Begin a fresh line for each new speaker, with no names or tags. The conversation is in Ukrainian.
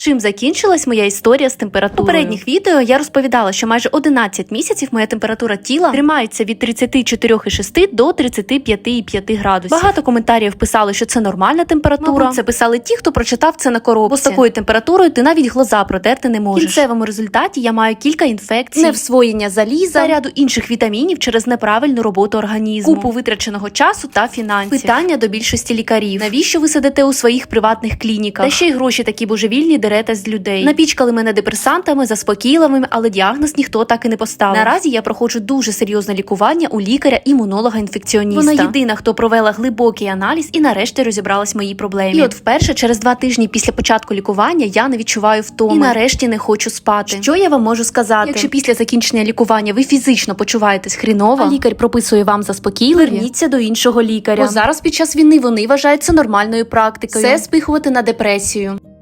Чим закінчилась моя історія з температурою? У попередніх відео я розповідала, що майже 11 місяців моя температура тіла тримається від 34,6 до 35,5 градусів. Багато коментарів писали, що це нормальна температура. Мабуть, це писали ті, хто прочитав це на коробці. Бо з такою температурою ти навіть глаза протерти не можеш. В кінцевому результаті я маю кілька інфекцій, невсвоєння заліза та ряду інших вітамінів через неправильну роботу організму, купу витраченого часу та фінансів. Питання до більшості лікарів: навіщо ви сидите у своїх приватних клініках? Та ще й гроші такі божевільні дерете з людей. Напічкали мене депресантами, заспокійливими, але діагноз ніхто так і не поставив. Наразі я проходжу дуже серйозне лікування у лікаря-імунолога-інфекціоніста. Вона єдина, хто провела глибокий аналіз і нарешті розібралась в моїй проблемі. І от вперше через 2 тижні після початку лікування я не відчуваю втоми. І нарешті не хочу спати. Що я вам можу сказати? Якщо після закінчення лікування ви фізично почуваєтесь хріново, а лікар прописує вам заспокійливі, верніться до іншого лікаря. Бо зараз під час війни вони вважають це нормальною практикою. Все спихувати на депресію.